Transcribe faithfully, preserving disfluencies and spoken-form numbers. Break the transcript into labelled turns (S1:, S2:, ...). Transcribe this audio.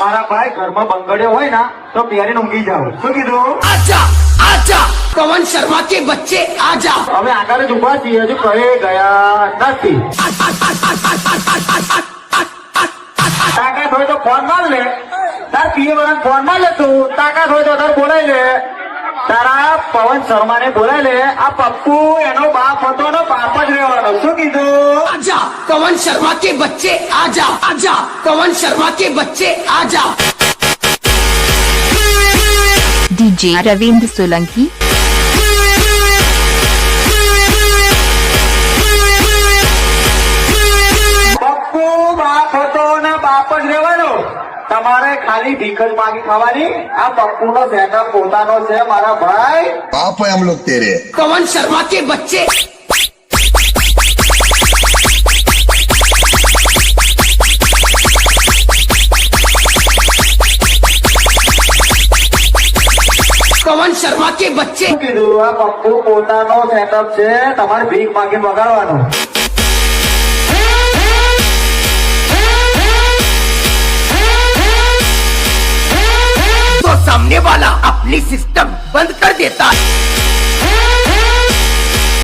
S1: મારા ભાઈ ઘરમાં બંગડ્યો હોય ને તો પહેરીને ઊંઘી જાવ. શું કીધું?
S2: आजा आजा पवन शर्मा के बच्चे आजा
S1: હવે આગળ જ ઉભા છીએ, હજુ કહે ગયા નથી. તાકાત હોય તો ફોન માર લે, તાર પીએ વાળા ફોન માર લે તું. તાકાત હોય તો તાર બોલાય લે, તારા પવન શર્મા ને બોલાય લે. આ પપ્પુ એનો બાપ હતો ને બાપ જ રહેવાનો. શું કીધું?
S2: आजा पवन शर्मा के बच्चे आजा आजा पवन शर्मा के बच्चे आजा
S3: डीजे रविंद्र सोलंकी
S1: પપ્પુ બાપ હતો ને બાપ જ રહેવાનો. તમારે ખાલી ભીખ જ માગી ખાવાની. આ પપ્પુ નો સેટઅપ પોતાનો છે મારા ભાઈ.
S4: बाप है हम लोग तेरे।
S2: पवन शर्मा के बच्चे पवन शर्मा के बच्चे
S1: શું કીધું? આ પપ્પુ પોતાનો સેટઅપ છે, તમારે ભીખ માગીને વગાડવાનો.
S2: तो सामने वाला अपनी सिस्टम बंद कर देता है